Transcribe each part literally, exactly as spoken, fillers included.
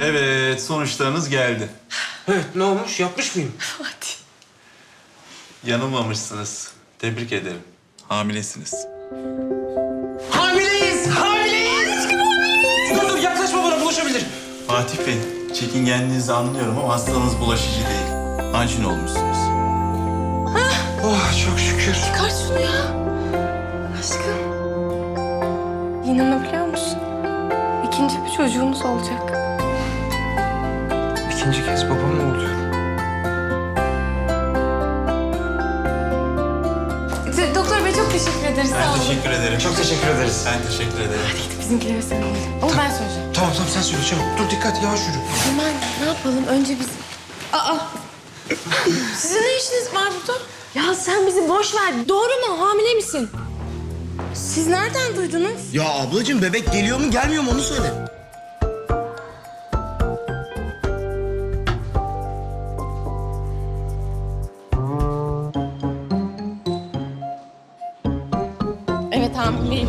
Evet, sonuçlarınız geldi. Evet, ne olmuş? Yapmış mıyım? Hadi. Yanılmamışsınız. Tebrik ederim. Hamilesiniz. Hamileyiz! Hamileyiz! Dur dur, yaklaşma bana, bulaşabilir. Fatih Bey, çekingenliğinizi anlıyorum ama hastalığınız bulaşıcı değil. Anjin olmuşsunuz. Oh, çok şükür. Çıkar şunu ya. Aşkım. İnanabiliyor musun? İkinci bir çocuğumuz olacak. İkinci kez babam oluyor. Doktor Bey çok teşekkür ederiz. Sağ Ben olun. teşekkür ederim. Çok teşekkür ederiz. Ben teşekkür ederim. Gidip bizimkilere söyleyelim. Ama ben söyleyeceğim. Tamam tamam, sen söyle çabuk. Dur dikkat, yavaş yürü. Hemen ne yapalım? Önce biz... Aa! Sizin ne işiniz var burada? Ya sen bizi boş ver. Doğru mu? Hamile misin? Siz nereden duydunuz? Ya ablacığım bebek geliyor mu gelmiyor mu onu söyle. Evet hamileyim.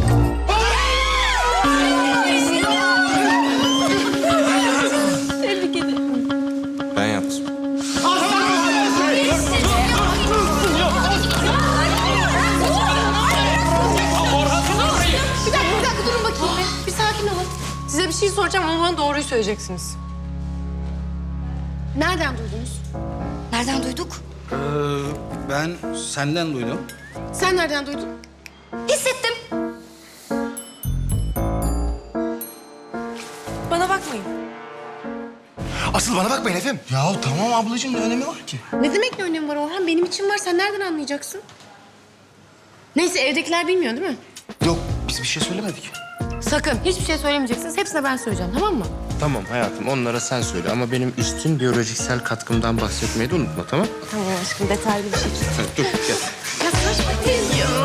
Tebrik ederim. Ben yaptım. Bir dakika, bir dakika durun bakayım. Bir, bir sakin olun. Size bir şey soracağım ama bana doğruyu söyleyeceksiniz. Nereden duydunuz? Nereden duyduk? Ee, ben senden duydum. Sen nereden duydun? Hissettim. Bana bakmayın. Asıl bana bakmayın efendim. Ya tamam ablacığım ne önemi var ki? Ne demek ne önemi var Orhan? Benim için var. Sen nereden anlayacaksın? Neyse evdekiler bilmiyor değil mi? Yok biz bir şey söylemedik. Sakın hiçbir şey söylemeyeceksiniz. Hepsine ben söyleyeceğim, tamam mı? Tamam hayatım, onlara sen söyle ama benim üstün biyolojiksel katkımdan bahsetmeyi de unutma, tamam? Tamam aşkım, detaylı bir şekilde. Dur gel. Ya saçma değil ya.